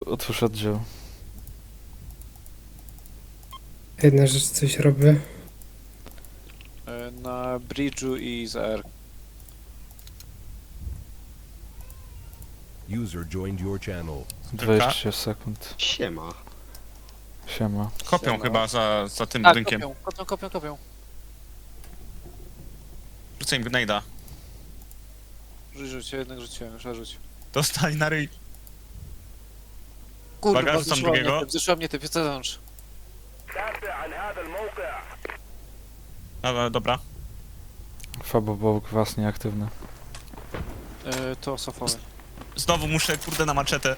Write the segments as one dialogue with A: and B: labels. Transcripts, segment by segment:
A: Otwórz oddział.
B: Jedna rzecz, coś robię.
C: Na bridge'u i za R.
D: User joined your channel.
A: 20 sekund.
E: Siema.
A: Siema.
F: Kopią
C: Siema.
F: chyba za tym
C: Tak,
F: budynkiem.
C: kopią.
F: Rzucę im gnejda.
C: Rzuć, jednak rzuciłem, już rzuć.
F: Dostali na ryj.
C: Kurwa,
F: Uwaga, rzucam drugiego.
C: zeszła mnie typ, zewnątrz.
F: Dobra.
A: Fabo Bóg was nieaktywny.
C: To sofowy.
F: Znowu muszę, kurde, na maczetę.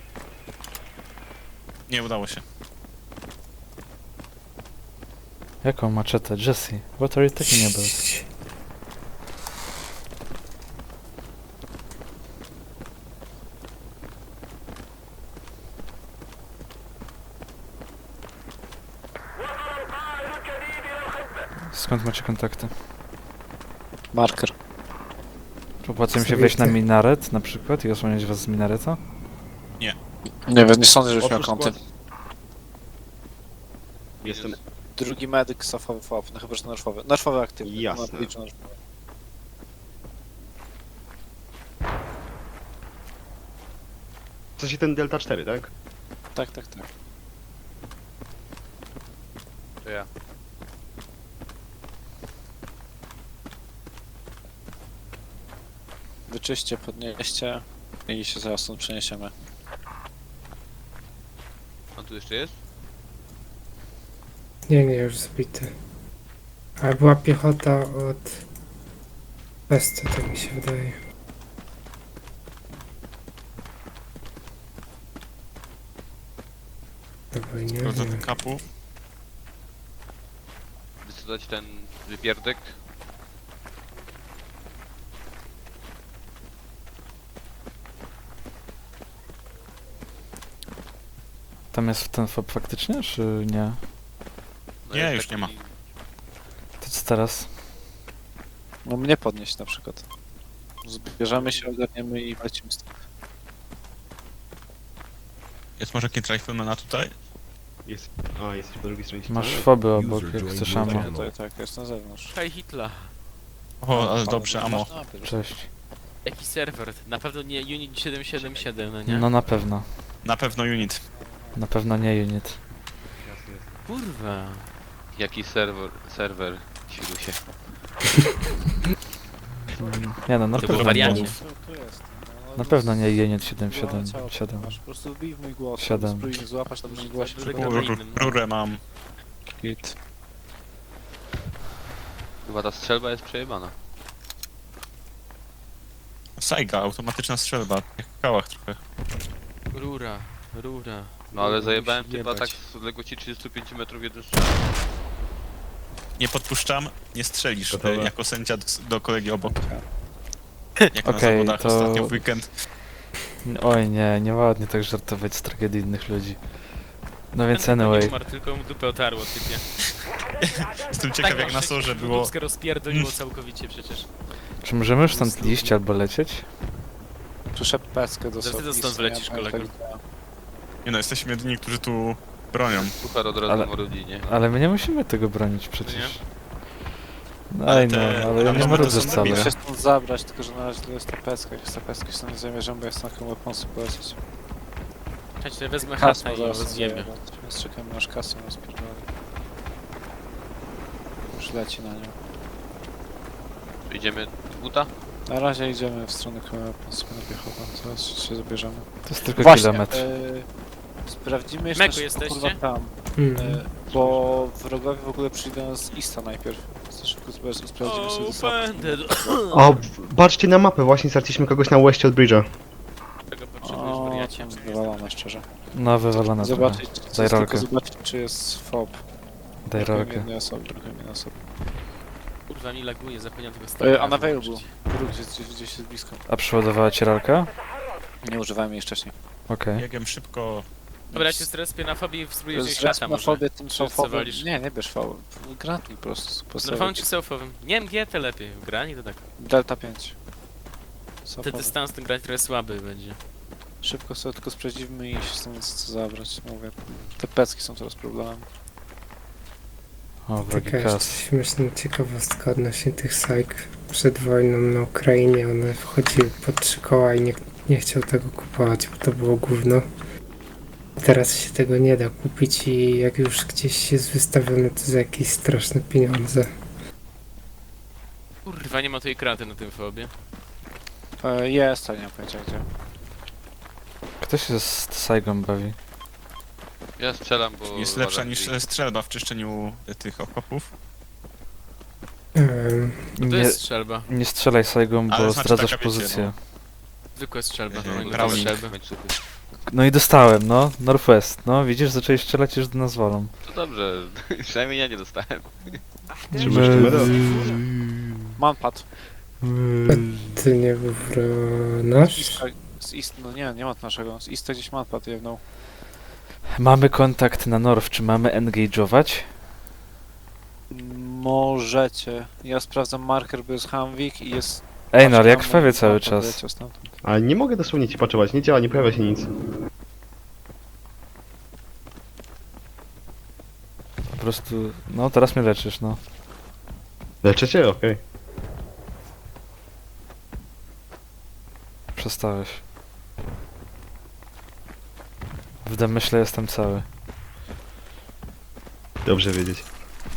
F: Nie udało się.
A: Jaką maczetę? Jesse, what are you talking about? Skąd macie kontakty?
C: Marker.
A: Opłaca mi się wejść na minaret na przykład i osłonić was z minareta?
C: Nie wiem, nie sądzę, żebyś miał
E: Otwórz
C: kąty.
E: skład. Jestem.
C: Drugi medyk, sofowy FOB, no chyba, że nerfowy. Nerfowy aktywny.
E: Jasne.
C: Na bridge'u nerfowy.
E: W sensie ten Delta 4, tak?
C: Tak.
G: To ja.
C: Wyczyście, podnieście i się zaraz stąd przeniesiemy.
G: On tu jeszcze jest?
B: Nie, już zbity. A była piechota od Pesta, tak mi się wydaje. Dobra, nie
F: Sprawdzę do
B: wiem.
F: kapu.
G: Wysadzać ten wypierdek.
A: Tam jest ten fob faktycznie, czy nie?
G: No
F: Nie,
G: jest
F: już
G: taki-
F: nie ma.
A: To co teraz?
C: No mnie podnieść na przykład. Zbierzemy się, ogarniemy i lecimy stąd.
F: Jest może jakieś riflemana tutaj?
E: Jest. A, jesteś po drugiej stronie
A: Masz
E: ściany.
A: foby obok,
D: User
A: jak
D: joined
A: chcesz
D: your
A: ammo.
D: channel.
C: Tak, jest na zewnątrz.
H: Hej Hitler,
F: O, ale dobrze, amo.
A: Cześć.
H: jaki serwer? Na pewno nie Unit 777, no nie?
A: No na pewno.
F: Na pewno unit.
A: Na pewno nie unit.
H: Kurwa.
G: Jaki serwer, Silusie.
A: Nie no, na
H: To był
A: pewno nie.
H: wariacie.
C: Tu jest. No,
A: Na pewno nie unit
C: Głowę ciała
A: 777.
C: masz. Po prostu wbij w mój głos.
A: Siedem.
C: Spróbuj mnie złapać na moim głosie.
H: Rurę
C: Przekonaj.
H: innym.
F: Rurę mam.
C: Git.
G: Chyba ta strzelba jest przejebana.
F: Saiga, automatyczna strzelba. Jak w kałach trochę.
H: Rura.
G: No ale zajebałem
H: Musi
G: typa
H: jebać.
G: tak z odległości 35 metrów jeden strzał.
F: Nie podpuszczam, nie strzelisz
E: Gotowe.
F: jako sędzia do kolegi obok. Jak na
A: Okej,
F: zawodach
A: to-
F: ostatnio w weekend.
A: Oj nie, nieładnie tak żartować z tragedii innych ludzi. No więc
H: Ten
A: anyway.
H: umarł, tylko mu dupę otarło, typie.
F: Jestem ciekaw jak na sorze było.
H: Dupskę rozpierdoliło całkowicie przecież.
A: Czy możemy już stąd iść albo lecieć?
C: Słyszę peskę do
H: Zaraz ty
C: sobie.
H: stąd wlecisz, kolego.
F: Nie no, jesteśmy jedyni, którzy tu bronią.
G: Puchar od razu
A: Ale-
G: ale... rodzinie.
A: Ale my nie musimy tego bronić przecież. No
F: Ale
A: ej no,
F: te-
A: ale ja
F: ale
A: nie
F: mamy
A: marudzę
F: to są
A: wcale.
C: Muszę się stąd zabrać, tylko że na razie to jest ta peska. Jak jest ta peska, się nie zamierzam, bo jest na komu weaponsy polecieć.
H: Czekaj, to ja wezmę
C: Kasma
H: hasę i
C: zaraz
H: rozjebię.
C: zajebać, więc czekamy aż kasę nas pierdoli. Już leci na nią.
G: Idziemy buta?
C: Na razie idziemy w stronę komu weaponsy na piechotę, zaraz się zabierzemy.
A: To jest tylko
C: Właśnie,
A: kilometr.
C: sprawdzimy jeszcze
H: Meku
C: szybko,
H: jesteście?
C: kurwa tam,
B: Mhm.
C: bo wrogowie w ogóle przyjdą z Ista najpierw. Więc szybko sprawdzimy sobie
H: Będę do
E: O, patrzcie na mapę, właśnie straciliśmy kogoś na westie od bridge'a.
H: tego potrzebujesz
C: O,
H: wariacie.
C: wywalone szczerze.
A: No wywalone trochę.
C: Zobaczyć,
A: Daj
C: tylko
A: rolkę.
C: zobaczyć, czy jest FOB.
A: Daj rolkę.
C: Jednej osoby, drugiej jednej osoby.
H: Kurwa mi laguje, zapomniałem tego stanu.
C: Unavailable. Gdzieś jest blisko.
A: A przeładowała ci rolkę?
C: Nie używałem jej wcześniej.
A: Okej.
F: Biegiem szybko.
H: Dobra, ja się strespię na fobie i spróbuję wziąć
C: Zresztą
H: szata
C: na
H: może.
C: fobie tym
H: Czy
C: są
H: co
C: fobem.
H: wolisz?
C: Nie bierz FOB. Gratuj po prostu.
H: No fałam czy selfowym? Nie MG to lepiej, granie to tak.
C: Delta 5.
H: Ten dystans ten grać trochę słaby będzie.
C: Szybko sobie tylko sprawdzimy i się stąd co zabrać. Mówię, te pecki są teraz problemem.
A: O, wrogi
B: Taka jeszcze
A: kas.
B: śmieszna ciekawostka odnośnie tych sajk. Przed wojną na Ukrainie one wchodziły pod 3 koła i nie chciał tego kupować, bo to było gówno. Teraz się tego nie da kupić i jak już gdzieś jest wystawione, to za jakieś straszne pieniądze.
H: Kurwa, nie ma tej kraty na tym fobie.
C: Jest, ale nie mam pojęcia gdzie.
A: Kto się z Saigą bawi?
G: Ja strzelam, bo...
F: Jest lepsza
G: uważam,
F: niż
G: że-
F: strzelba w czyszczeniu tych okopów.
H: No to
A: Nie,
H: jest strzelba.
A: nie strzelaj Saigą, bo
F: Ale znaczy
A: zdradzasz
F: taka, wiecie,
A: pozycję.
H: Zwykła strzelba.
F: Mhm,
H: No,
F: Browning.
H: strzelby.
A: No i dostałem, no. Northwest. No, widzisz, zaczęli strzelać już do nas walą.
G: To dobrze, przynajmniej ja nie dostałem.
E: Trzymasz numer?
C: Manpad.
B: To nie był nasz?
C: No nie ma naszego. Z Ista gdzieś manpad jedną.
A: Mamy kontakt na North, czy mamy engage'ować?
C: Możecie. Ja sprawdzam marker, bo jest Hamwik i jest...
A: Ej, no ale jak
C: tam
A: krwawię cały
C: manpad
A: czas.
C: leciał stamtąd.
E: Ale nie mogę dosłownie ci paczować, nie działa, nie pojawia się nic.
A: Po prostu, no teraz mnie leczysz, no.
E: Leczę cię? Okej.
A: Przestałeś. W domyśle jestem cały.
E: Dobrze wiedzieć.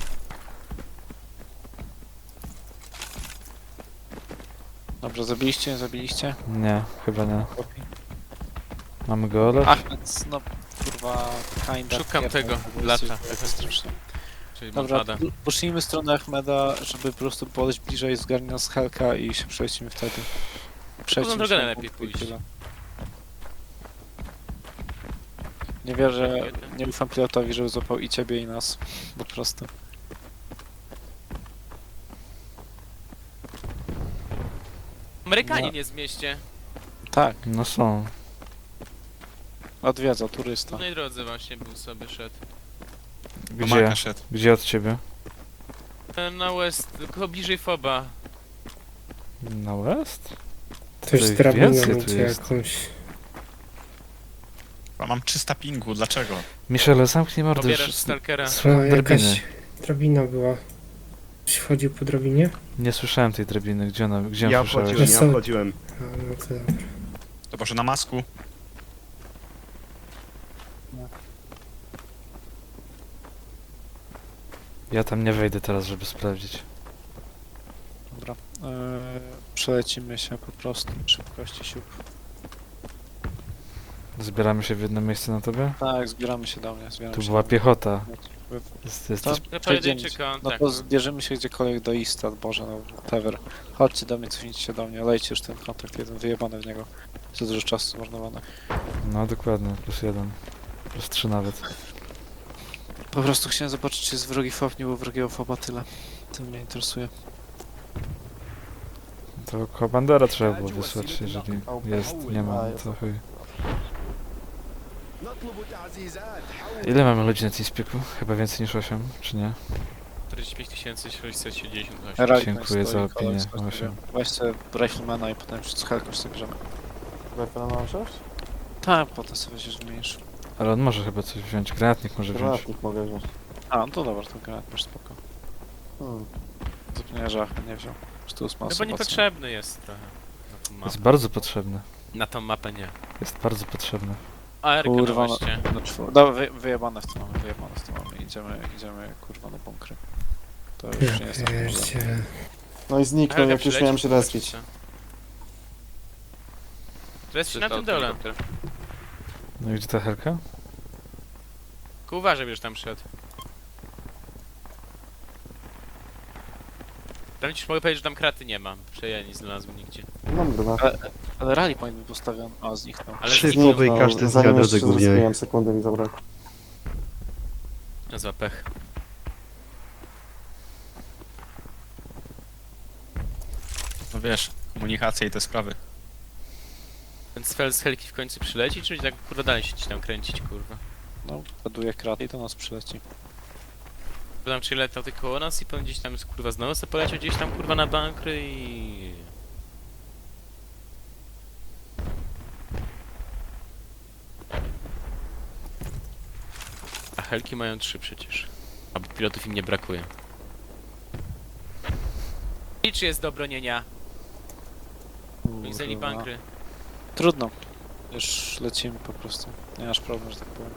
C: Dobrze, zabiliście, nie zabiliście?
A: Nie, chyba nie. Mamy go olać?
C: Achmed, no kurwa, kinda.
H: Szukam
C: pierdol,
H: tego,
C: bo jesteś
H: lata.
C: taka straszna.
H: Czyli
C: Dobra,
H: Dobra.
C: poszlijmy stronę Achmeda, żeby po prostu podejść bliżej, zgarnie nas Helka i się przelecimy wtedy. Przejdźmy
H: drogę
C: się
H: najlepiej
C: punkt i
H: pójść.
C: tyle. Nie wierzę, nie ufam pilotowi, żeby złapał i ciebie i nas. Po prostu.
H: Amerykanin jest w mieście.
C: Tak,
A: No są.
C: odwiedza,
H: W
C: turysta.
H: głównej drodze właśnie był sobie szedł.
F: Do
A: Gdzie?
F: Marka szedł.
A: Gdzie od ciebie?
H: Na west, tylko bliżej foba.
A: Na west?
B: Ktoś
A: Tutaj
B: z drabiną
A: więcej tu
B: idzie
A: jest.
B: jakąś.
F: A mam 300 pingu, dlaczego?
A: Michele, zamknij mordę.
H: Pobierasz
A: już-
H: stalkera.
B: O,
A: Słucham drabiny.
B: jakaś drabina była. Ktoś wchodził po drabinie?
A: Nie słyszałem tej drabiny. Gdzie ona? Gdzie ją
E: Ja
A: słyszałeś?
E: wchodziłem, ja
B: Są-
E: wchodziłem.
B: A, no to dobra.
F: To może na masku?
A: Ja tam nie wejdę teraz, żeby sprawdzić.
C: Dobra. Przelecimy się po prostu szybkości siup.
A: Zbieramy się w jedno miejsce na tobie?
C: Tak, zbieramy się do mnie, zbieramy
A: Tu
C: się
A: była
C: do mnie.
A: piechota.
C: Wy-
A: Jesteś...
C: To
H: To pojedynczy
C: przejdziemy się. No
H: kontakt.
C: to zbierzemy się gdziekolwiek do Ista, Boże, no whatever. Chodźcie do mnie, cofnijcie się do mnie, lejcie już ten kontakt jeden, wyjebany w niego. Za dużo czasu zmarnowane.
A: No dokładnie, +1. +3 nawet.
C: Po prostu chciałem zobaczyć, czy jest wrogi fob, nie było wrogiego foba, tyle. To mnie interesuje.
A: To komandera trzeba było wysłać, jeżeli jest, nie ma, no to chuj. Ile mamy ludzi na Teamspeaku? Chyba więcej niż 8, czy nie?
H: 45 678.
C: Rally
A: Dziękuję
C: stoi,
A: za opinię,
C: koleś, chodź,
A: osiem.
C: weź sobie Riflemana i potem z Helką sobie bierzemy.
D: Rifle mam wziąć?
C: Tak, potem sobie weźmiesz wymienisz.
A: Ale on może chyba coś wziąć, granatnik może wziąć.
D: Granatnik mogę wziąć.
C: A, no to dobra, to granat masz spoko.
D: Hmm.
C: Zapomniałem, że Achmed nie wziął. Już tu jest
H: No
C: masa
H: bo niepotrzebny jest trochę. Na tą
A: Jest
H: mapę.
A: bardzo potrzebny.
H: Na tą mapę nie.
A: Jest bardzo potrzebny.
H: ARK
C: Kurwa,
H: no
C: no,
H: właśnie.
C: dobra, wyjebane w to mamy, wyjebane w to mamy. Idziemy kurwa na bunkry. To już
B: Ja
C: nie jest tak może.
B: pierdzielę.
D: No i zniknął,
H: ARK
D: jak już
H: przyleci,
D: miałem się
H: zobaczysz
D: respić.
H: co. To jest na tym dole.
A: No i gdzie ta helka?
H: Tylko uważaj, będziesz tam szedł. Tam ci mogę powiedzieć, że tam kraty nie mam. Że ja nie znalazłem nigdzie.
D: Mam granat.
C: Ale rally powinien być postawiony. A, zniknął.
H: Ale
E: Trzy
H: zniknął.
E: słowy i każdy
D: zanim
E: zjada
D: jeszcze
E: do głównej.
D: zespiłem, sekundy mi zabrakło.
H: Za pech.
F: No wiesz, komunikacja i te sprawy.
H: Ten spell z helki w końcu przyleci, czy tak kurwa dalej się ci tam kręcić, kurwa?
C: No, ładuje kraty i do nas przyleci.
H: Bo tam przyletał tylko koło nas i potem gdzieś tam kurwa znowu sobie poleciał gdzieś tam kurwa na bankry i... Helki mają 3 przecież. A pilotów im nie brakuje. I czy jest do bronienia? Oni zajęli
C: Kurwa.
H: bankry.
C: Trudno. Już lecimy po prostu. Nie masz problemu, że tak powiem.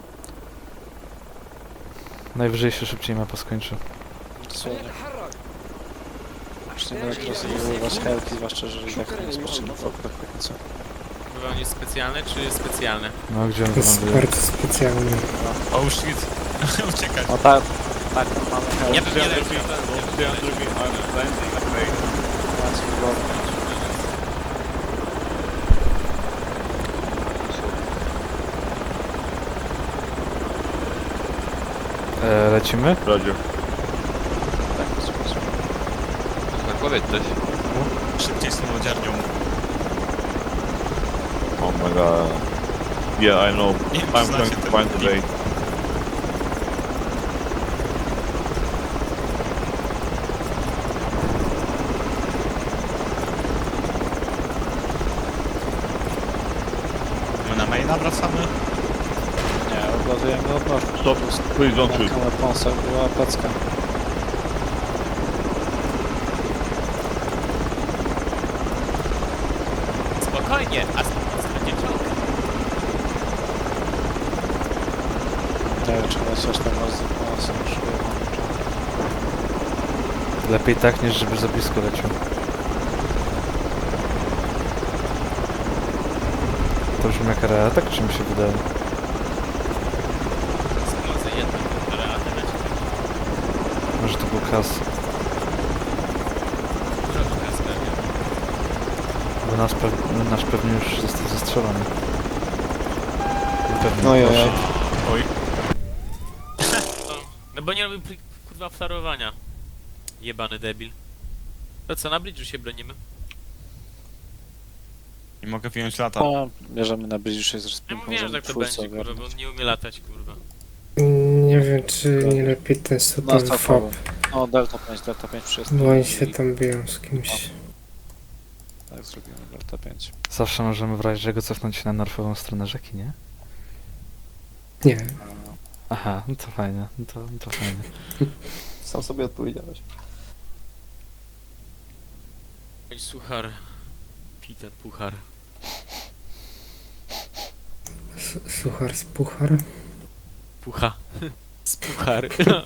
A: Najwyżej się szybciej mapa skończy.
C: Dosłownie. Już nie będę rozbudowywać helki, zwłaszcza, że i tak nie jest potrzebny fokus w końcu.
H: Bywa on jest specjalny czy specjalny?
A: No, gdzie on
B: To jest
A: wyląduje?
B: bardzo specjalne.
F: Oh shit. Uciekać.
C: No tak, tak, mamy helki.
H: Ja bym nie leciał.
C: Macie wygodnie.
A: Lecimy?
G: Tak, powiedz coś.
F: Szybciej z tą lodziarnią.
I: Oh my god. Yeah, I know.
F: Nie wiem,
I: I'm
F: czy
I: going
F: znacie
I: to
F: ten
I: find the
F: film.
I: bait.
F: My na maina wracamy.
C: Nie, odładujemy od nożu.
I: Stop, please don't shoot.
C: Na weaponsach była pecka.
H: Spokojnie, a spokojnie będzie czołg.
C: Nie wiem, czy lecieć tam raz z weaponsem, już wyjechałem.
A: Lepiej tak, niż żeby za blisko leciał. To brzmi jak atak, czy mi się wydaje?
H: Sprawdzę jedną, która leci.
A: Może to był kas.
H: Troszkę spełnia.
A: Bo nasz pewnie już został zestrzelony. Pewnie.
C: No ja.
F: Oj.
H: No bo nie robił kurwa flarowania. Jebany debil. To co, na bridge'u się bronimy?
F: Nie mogę wyjąć lata.
C: No, bierzemy na bridge się z
H: Ja
C: rozpinką,
H: mówiłem, że
C: żeby
H: tak to
C: twórcę
H: będzie, kurwa, bo
C: ogarnąć.
H: on nie umie latać, kurwa.
B: Nie wiem, czy nie lepiej ten
C: No,
B: Sudan
C: to
B: FOB,
C: No, Delta 5 wszystko.
B: bo oni się tam biją z kimś.
C: Tak, zrobimy Delta 5.
A: Zawsze możemy w razie czego cofnąć się na norfową stronę rzeki, nie?
B: Nie,
A: Aha, no to fajnie, to fajnie.
D: Sam sobie odpowiedziałeś.
H: Oj, suchar. Pij ten puchar.
B: suchar z puchar.
H: Pucha. Z puchar.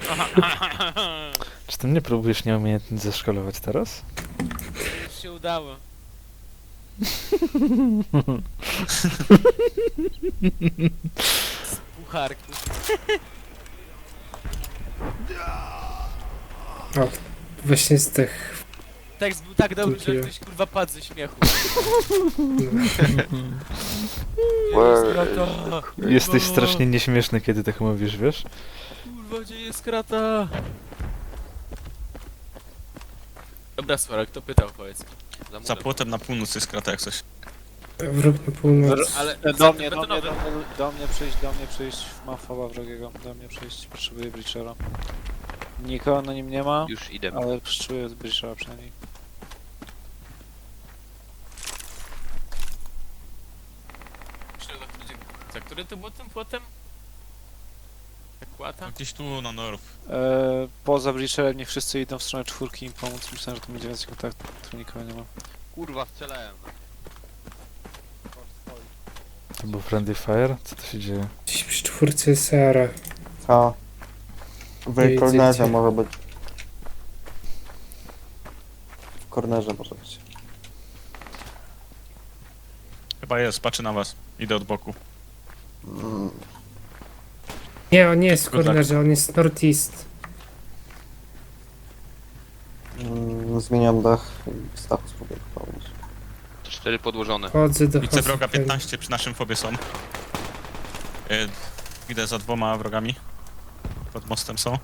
A: Czy ty mnie próbujesz nieumiejętnie zeszkolować teraz?
H: Już się udało. Z pucharku.
B: O, właśnie zdech.
H: Tekst był tak dobry, że
B: Dziękuję.
H: ktoś kurwa padł ze śmiechu.
A: Jesteś strasznie nieśmieszny, kiedy tak mówisz, wiesz?
H: Kurwa, gdzie jest krata? Dobra, Swarek, kto pytał, powiedz.
F: Za płotem na północ jest krata jak coś.
B: Wróg na północ.
H: Ale
C: Do mnie
H: betonowy.
C: do mnie przyjść. Mam foba wrogiego. Do mnie przyjść. Potrzebuję Breachera. Nikogo na nim nie ma,
G: Już idę.
C: ale potrzebuję Breachera przynajmniej.
H: Za który to był tym płotem? Tak łata?
F: Gdzieś tu na norw.
C: Poza Breacherem niech wszyscy idą w stronę czwórki im pomóc. Myślałem, że to będzie więcej kontaktów, tu nikogo nie ma.
G: Kurwa, strzelałem.
A: To był Friendly Fire? Co to się dzieje?
B: Gdzieś przy czwórce jest Sara.
D: A.
B: Nie
D: W kornerze
B: widzicie.
D: może być. W kornerze może być.
F: Chyba jest, patrzę na was. Idę od boku.
D: Mm.
B: Nie, on nie jest w
F: Good luck.
B: kornerze, on jest northeast.
D: Zmieniam dach i status spróbuję pomóc.
G: To 4 podłożone.
B: Chodzę do
F: Widzę wroga
B: hospitali.
F: 15 przy naszym fobie są. Idę za 2 wrogami. Pod mostem są.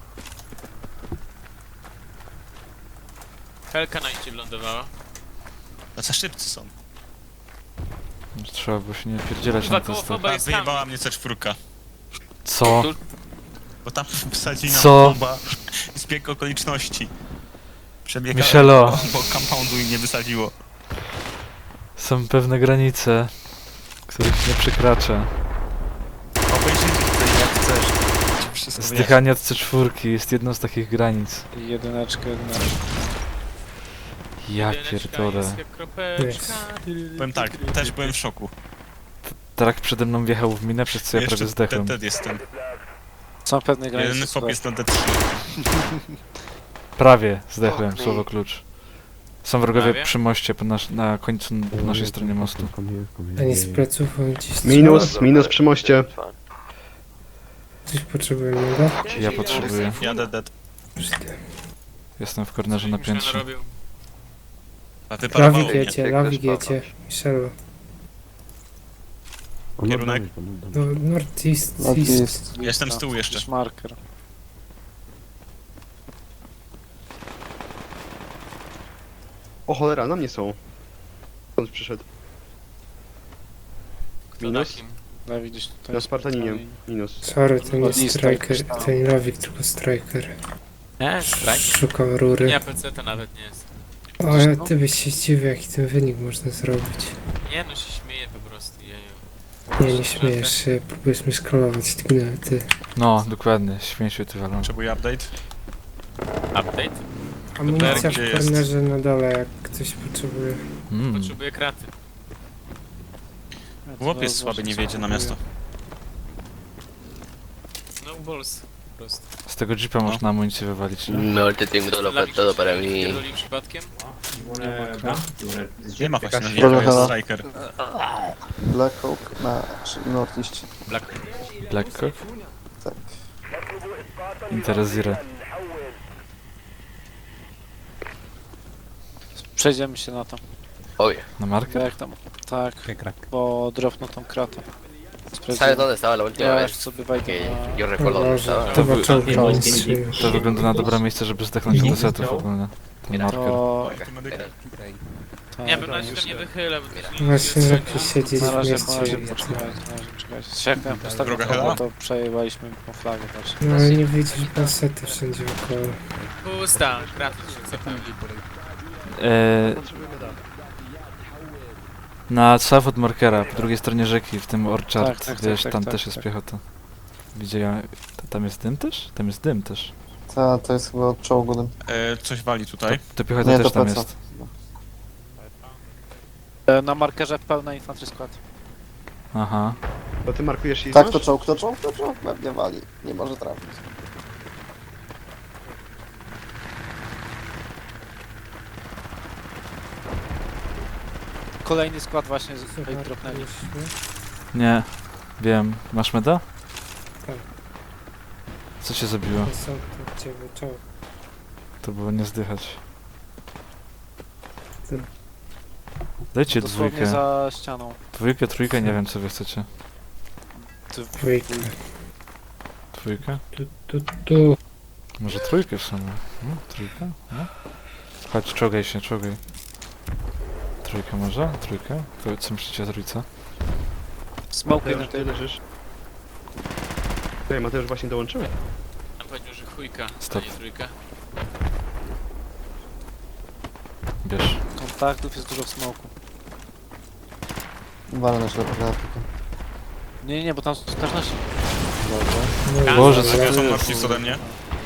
H: Helka na iście wylądowała.
F: Tacy szybcy są.
A: Trzeba było się nie pierdzielać
H: Kurwa,
A: na
H: koło
A: testach.
H: foba
F: A
H: jest tam.
F: wyjebała mnie C4.
A: Co?
F: Bo tam wsadzili nam
A: Co?
F: bomba z bieg okoliczności. Przebiegałem
A: Michelo.
F: bo compoundu im nie wysadziło.
A: Są pewne granice, których nie przekraczę.
F: Obejrzyjcie tutaj jak chcesz. wszystko wyjaśnię.
A: Zdychanie od C4 jest jedną z takich granic.
C: Jedyneczkę.
A: Ja
H: Jedyneczka
A: pierdolę.
H: jest jak kropeczka.
F: Powiem tak, też byłem w szoku.
A: Trak przede mną wjechał w minę, przez co ja prawie zdechłem.
F: Dead jestem.
C: Są pewne granice.
F: Jeden chłop
C: słuchaj.
F: jest na D3.
A: Prawie zdechłem, słowo klucz. Są wrogowie
H: Prawie?
A: przy moście, na końcu po naszej stronie mostu.
B: Ani z pleców, on gdzieś
E: Minus przy moście.
B: Coś potrzebujemy,
A: Ja potrzebuję.
F: Jadę dead.
A: Jestem w kornerze na piętrze.
H: Narobił.
F: A ty parowało mnie.
B: Lawik jedzie, Michelu.
F: Kierunek.
B: No, northeast,
D: No to
B: east.
D: jest...
F: Jestem z tyłu jeszcze.
C: Gdzieś marker.
E: O cholera, na mnie są. Skąd przyszedł?
H: Kto
E: Minus?
H: takim?
C: Dawid gdzieś tutaj.
E: Na Spartaninie. Minus.
B: Sorry, to nie
C: Od East
B: striker,
C: Strike.
B: to nie Lawik, tylko striker.
H: Nie, strajk.
B: Szukał rury.
H: Nie, PC to nawet nie jest.
B: O, ale ty byś się zdziwił, jaki ten wynik można zrobić.
H: Nie no, się śmieję po prostu, jeju.
B: Nie, nie śmiejesz się, próbujesz mnie scrollować, ty.
A: No, dokładnie, śmieciu ty walą.
F: Potrzebuję update.
H: Update?
B: Amunicja
F: Gdzie
B: w
F: jest?
B: kornerze na dole, jak ktoś potrzebuje.
H: Potrzebuję kraty.
F: Chłop jest słaby, nie wiedzie na miasto.
H: No balls. Po prostu.
A: Z tego jeepa można amunicję wywalić, nie?
G: No, te tengo todo para mí.
H: Pierdoli przypadkiem?
F: Nie ma właśnie na
D: Jakaś
F: wiele, jest
D: problema.
F: striker.
D: Black Oak na northeast.
A: Black Cock?
D: Tak.
A: Interesire.
C: Przejdziemy się na to.
A: Na markę?
C: Jak tam? Tak, bo dropną tą kratę.
G: ¿Sabes dónde estaba la última
C: Ja
G: vez?
C: już sobie wejdę
G: Que
C: na...
G: yo
B: O
G: recuerdo dónde
B: Boże,
G: estaba.
B: to
A: wy-
B: czołg strzelił.
A: To wygląda na dobre miejsce, żeby zdechnąć do setów ogólnie. Ten marker.
C: To...
H: Nie, bym na razie nie wychylę, bo to się nie
B: Właśnie
H: będzie
B: lepiej siedzieć
C: Na
B: w
C: razie,
B: mieście.
C: czekajcie. Jak miałem postawić
F: Droga
C: to,
F: Hela?
C: to przejęliśmy tą flagę też.
B: No ale nie wyjdziesz, bo sety wszędzie wokoło.
H: Pusta, kraty się zapełni.
A: Na south od markera, po drugiej stronie rzeki, w tym Orchard,
C: Tak, tak,
A: wiesz,
C: tak,
A: tam
C: tak,
A: też
C: tak,
A: jest
C: tak.
A: piechota. Widziałem... Tam jest dym też? Tam jest dym też.
D: To jest chyba od czołgu. dym.
F: Coś wali tutaj.
A: To piechota
D: Nie,
A: też
D: to
A: tam
D: pleca.
A: jest.
C: Na markerze pełna infantry skład.
A: Aha.
E: To ty markujesz i
D: Tak,
E: znasz?
D: to czołg. Pewnie wali. Nie może trafić.
C: Kolejny skład właśnie z tutaj dropnęli.
A: Nie. Wiem. Masz meda?
B: Tak.
A: Co cię zabiło?
B: To są to ciebie czołg.
A: To było nie zdychać.
B: Ty.
A: Dajcie
C: Dosłownie
A: dwójkę.
C: za ścianą.
A: Dwójkę, trójkę, nie wiem co wy chcecie.
B: Dwójka.
A: Dwójkę?
B: Tu.
A: Może trójkę w sumie. No, trójka? No. Chodź, czołgaj się, czołgaj. Trójkę może? Trójkę? Co myślicie o trójce?
C: Smoke jeden
E: Mateusz, ty leżysz. Tutaj Mateusz właśnie dołączył?
H: Tam powiedział, że chujka,
A: Stop.
H: a nie trójka.
A: Bierz.
C: kontaktów, jest dużo w smoku.
D: Walę na ślepę granatkę.
C: Nie, bo tam też nasi.
B: No,
A: Boże,
B: dobra.
F: Zawiozą northeast ode mnie.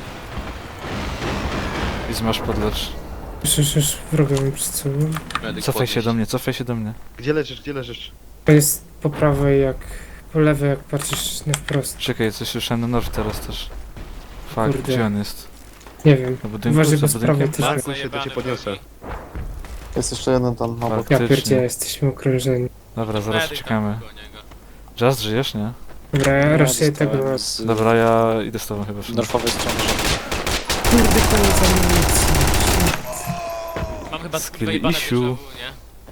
A: I zmasz podlecz.
B: Już wroga mam przed sobą.
A: Cofaj się do mnie, cofaj się do mnie.
E: Gdzie leżysz?
B: To jest po prawej jak... Po lewej jak patrzysz na wprost.
A: Czekaj, coś słyszałem na north teraz też. Fuck,
B: Kurde.
A: gdzie on jest?
B: Nie wiem.
A: Na budynku?
B: Uważaj,
A: Za
B: bo z prawej
A: budynkiem?
B: też...
E: Markuj się, to cię podniosę.
D: Jest jeszcze jeden tam obok.
B: Ja
A: Faktycznie.
B: pierdzie, jesteśmy okrążeni.
A: Dobra, zaraz czekamy. Just żyjesz, nie?
B: Dobra, ja raczej tego...
C: z
A: Dobra, ja idę z tobą chyba. Szymon.
C: norfowej strony.
B: Kurde, koniec amunicji.
H: Mam chyba
A: Skill
H: wyjebane
A: issue.
H: déjà vu, nie?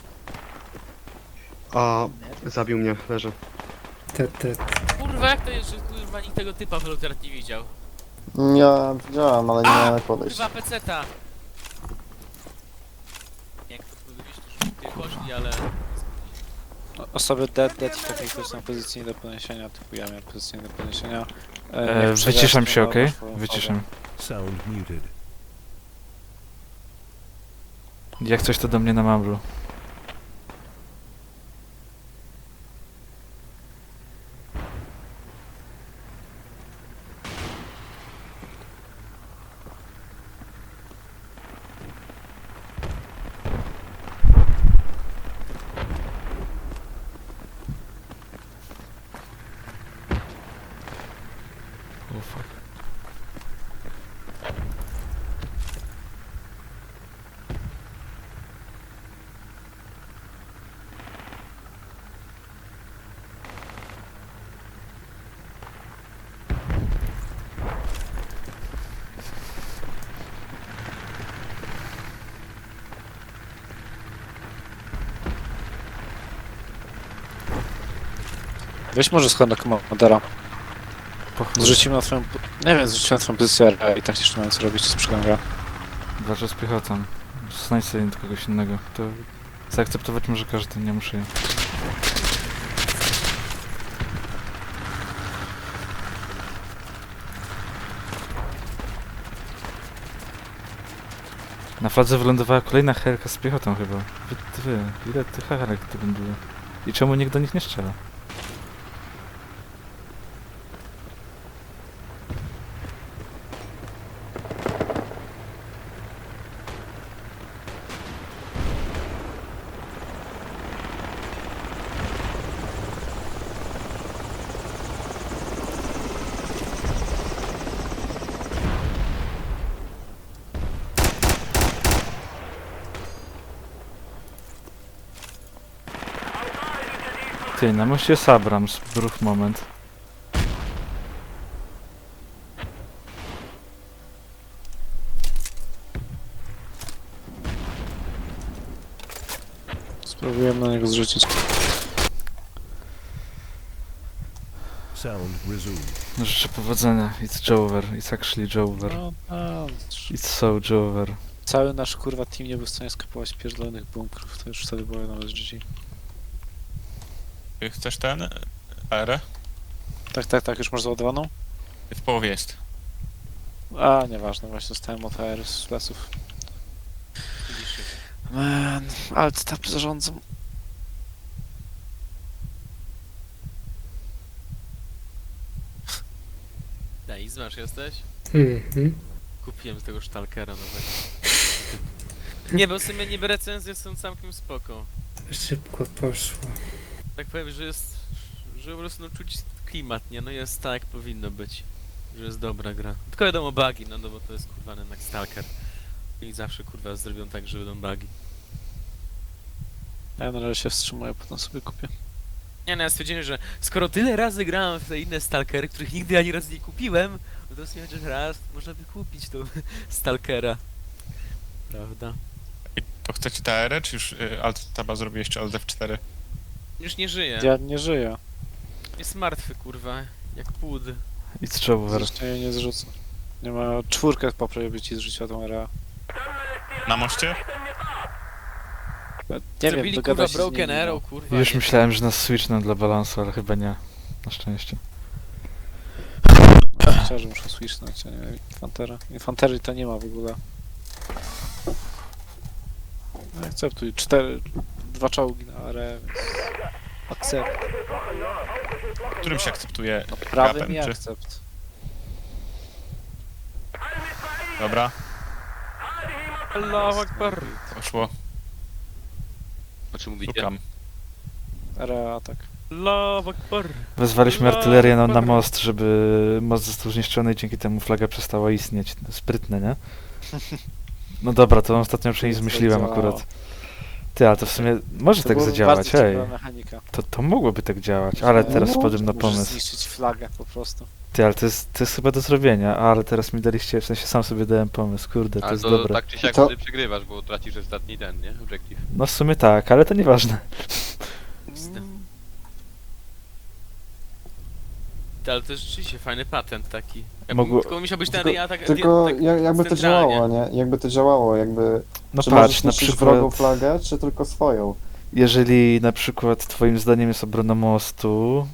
E: A, zabił mnie, leżę.
B: Te.
H: Kurwa, jak to jest, że kurwa nikt tego typa w Lotert nie widział?
D: Ja widziałem, ale nie miałem jak podejść.
H: Kurwa, peceta! Jak to powiedzieliście, że ty poszli, ale...
C: Osoby dead w takiej są pozycji nie do podniesienia, typu ja miałem pozycję nie do podniesienia.
A: Wyciszam się, okej? Wyciszam. Jak coś to do mnie na mamblu. fuck.
C: Weź może schod na komandera.
A: Po chuj.
C: Zrzucimy na twoją... Nie wiem, zrzucimy na twoją pozycję i tak jeszcze nie wiem co robić z przygląda.
A: Walczę z piechotą. Znajdź sobie kogoś innego. To zaakceptować może każdy, nie muszę ja. Na fladze wylądowała kolejna helka z piechotą chyba. Ile tych helek tu było? I czemu nikt do nich nie strzela? Ty, na moście jest Abrams, brów moment.
C: Spróbujemy na niego zrzucić.
J: Sound resumed.
A: Życzę powodzenia. It's Jover. It's actually Jover.
C: No,
A: It's so Jover.
C: cały nasz kurwa team nie był w stanie skapować pierdolonych bunkrów, to już wtedy było nawet GG.
F: Chcesz ten? AR?
C: Tak, już masz załadowaną?
F: W połowie jest.
C: A, nieważne, właśnie dostałem od AR z pleców. Man, alt tab zarządzam.
H: Daj, znasz jesteś?
B: Mhm.
H: Kupiłem z tego Stalkera nowego. Nie, bo w sumie niby recenzje są całkiem spoko.
B: Szybko poszło.
H: Tak powiem, że jest... że po prostu no, czuć klimat, nie? No jest tak jak powinno być. Że jest dobra gra. Tylko wiadomo bugi, no bo to jest kurwa jednak Stalker. I zawsze kurwa zrobią tak, że będą bugi.
C: Ja na razie się wstrzymuję, potem sobie kupię.
H: Nie no, ja stwierdziłem, że skoro tyle razy grałem w te inne Stalkery, których nigdy ani razu nie kupiłem, no to w sumie chociaż raz można by kupić tą Stalkera. Prawda?
F: I to chcecie te AR, czy już Alt Taba zrobiłeś, czy Alt F4?
H: Już nie żyje.
C: Ja nie żyję.
H: Jest martwy kurwa. Jak płód.
A: It's Jover.
C: Zresztą jej nie zrzucę. Nie ma czwórkę poprawię, by ci zrzuciła tą RA.
F: Na moście?
C: Nie wiem,
H: Zrobili
C: dogadaj
H: kurwa
C: się z
H: Broken
C: nimi,
H: Arrow, kurwa.
A: Już
H: nie.
A: myślałem, że nas switchną dla balansu, ale chyba nie. Na szczęście.
C: Chciałem, że muszę swishnąć, a nie infantera. Infanterii to nie ma w ogóle. No, akceptuj. 2 czołgi na arę, więc... Akcept.
F: Którym się akceptuje?
C: No, prawym i
F: Kratem, czy-
C: akcept.
F: Dobra,
H: Allahu Akbar.
F: poszło.
G: O czym mówicie?
F: Szukam.
C: RA, tak.
H: Allahu Akbar.
A: Wezwaliśmy artylerię na most, żeby most został zniszczony i dzięki temu flaga przestała istnieć. Sprytne, nie? No dobra, to ostatnio przynajmniej zmyśliłem akurat. Ty, ale to w sumie może tak
C: była
A: zadziałać,
C: bardzo
A: hej.
C: ciekawa mechanika.
A: To mogłoby tak działać, ale teraz
D: No,
A: wpadłem na
C: Możesz
A: pomysł.
C: zniszczyć flagę po prostu.
A: Ty, ale to jest chyba do zrobienia, ale teraz mi daliście, w sensie sam sobie dałem pomysł, kurde, to
G: Ale
A: jest
G: to
A: dobre.
G: tak czy siak
D: To-
G: wtedy przegrywasz, bo tracisz ostatni ten, nie? Objective.
A: No w sumie tak, ale to nieważne.
H: Ale to jest rzeczywiście fajny patent taki.
A: Mogło-
H: Tylko musiał być ten
D: Tylko-
H: ja tak...
D: Tylko
H: tak
D: jakby to
H: centralnie.
D: działało, nie? Jakby to działało, jakby...
A: No
D: czy
A: patrz,
D: możesz
A: na
D: niszczyć wrogą
A: przykład,
D: flagę, czy tylko swoją?
A: jeżeli na przykład twoim zdaniem jest obrona mostu,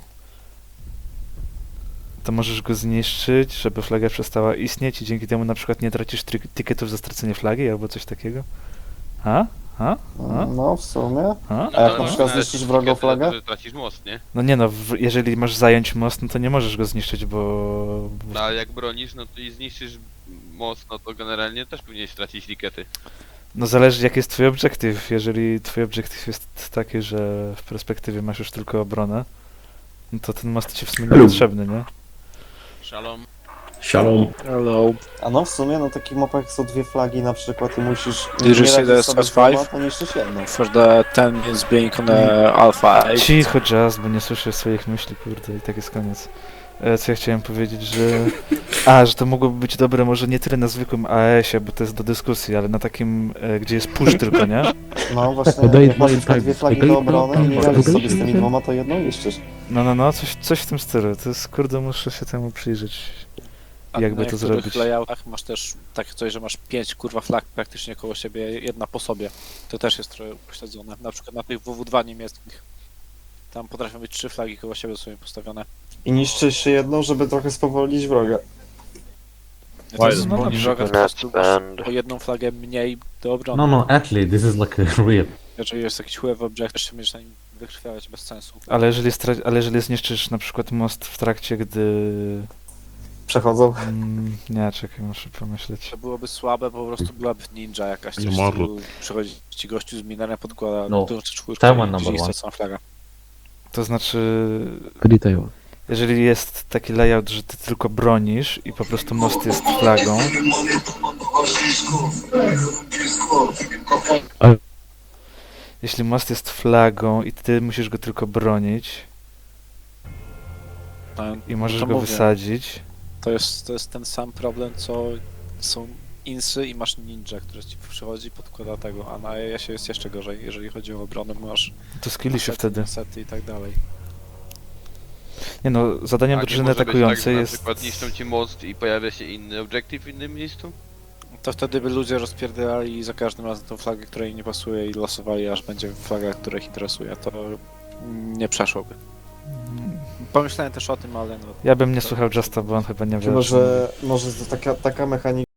A: to możesz go zniszczyć, żeby flaga przestała istnieć i dzięki temu na przykład nie tracisz ticketów za stracenie flagi albo coś takiego? A?
D: No, w sumie.
A: A?
D: A jak
G: to
D: na przykład
G: można
D: zniszczysz wrogą
G: etykietę za to,
D: flagę?
G: że tracisz most, nie?
A: No nie no, jeżeli masz zająć most, no to nie możesz go zniszczyć, bo...
G: No ale jak bronisz, no to i zniszczysz most, no to generalnie też powinieneś stracić tikety.
A: No zależy jaki jest twój obiektyw. Jeżeli twój obiektyw jest taki, że w perspektywie masz już tylko obronę, no to ten most ci w sumie nie potrzebny, nie?
H: Szalom.
J: Shalom.
C: Hello.
D: A no w sumie na takich mapach są dwie flagi na przykład i musisz...
C: Did you
D: nie
C: see
D: radzisz
C: the
D: sobie z
C: SS5?
D: dwoma, to niszczysz jedną.
C: For the 10 minutes being on Alpha 8.
A: Cicho, Jazz, bo nie słyszę swoich myśli, kurde, i tak jest koniec. Co ja chciałem powiedzieć, że... że to mogłoby być dobre może nie tyle na zwykłym AES-ie, bo to jest do dyskusji, ale na takim, gdzie jest push tylko, nie?
D: No właśnie, jak masz na przykład dwie flagi do obrony i nie radzisz sobie z tymi dwoma, to jedną niszczysz.
A: No, coś w tym stylu. To jest, kurde, muszę się temu przyjrzeć.
C: A
A: Jakby
C: na
A: to
C: niektórych
A: zrobić?
C: layoutach masz też takie coś, że masz 5 kurwa flag praktycznie koło siebie, jedna po sobie. To też jest trochę upośledzone. Na przykład na tych WW2 niemieckich. Tam potrafią być 3 flagi koło siebie sobie postawione.
D: I niszczysz jeszcze jedną, żeby trochę spowolnić wroga.
C: Ja to jest
A: no,
C: zwolni
A: na
C: wroga, po prostu masz o jedną flagę mniej do obrony.
J: No, actually, this is like a real.
C: Jeżeli jest jakiś whoever object, jeszcze będziesz na nim wykrwawiać bez sensu.
A: Ale jeżeli zniszczysz na przykład most w trakcie, gdy...
D: Przechodzą.
A: Nie, czekaj, muszę pomyśleć.
C: To byłoby słabe, po prostu byłaby ninja jakaś, coś
I: Nie
C: w
I: ma
C: stylu, przychodzi ci gościu z minerem, podkłada
J: No,
C: dużą czwórkę
J: Taiwan
C: i
J: number
C: gdzieś
J: one.
C: stracona flaga.
A: To znaczy... Jeżeli jest taki layout, że ty tylko bronisz i po prostu most jest flagą... Jeśli most jest flagą i ty musisz go tylko bronić
C: No,
A: i możesz
C: to
A: go
C: mówię.
A: wysadzić,
C: To jest ten sam problem, co są insy i masz ninja, który ci przychodzi, podkłada tego, a na AES-ie jest jeszcze gorzej, jeżeli chodzi o obronę, bo masz
A: to skilli się
C: asety,
A: wtedy.
C: sety i tak dalej.
A: Nie no, zadaniem
G: A nie
A: drużyny
G: może być tak,
A: atakującej
G: że
A: jest...
G: na przykład niszczą ci most i pojawia się inny obiektyw w innym miejscu?
C: To wtedy by ludzie rozpierdalali za każdym razem tą flagę, która im nie pasuje i losowali, aż będzie flaga, która ich interesuje. To nie przeszłoby. Pomyślałem też o tym, ale no...
A: Ja bym nie słuchał Justa, bo on chyba nie wie.
D: Chyba, że może to taka mechanika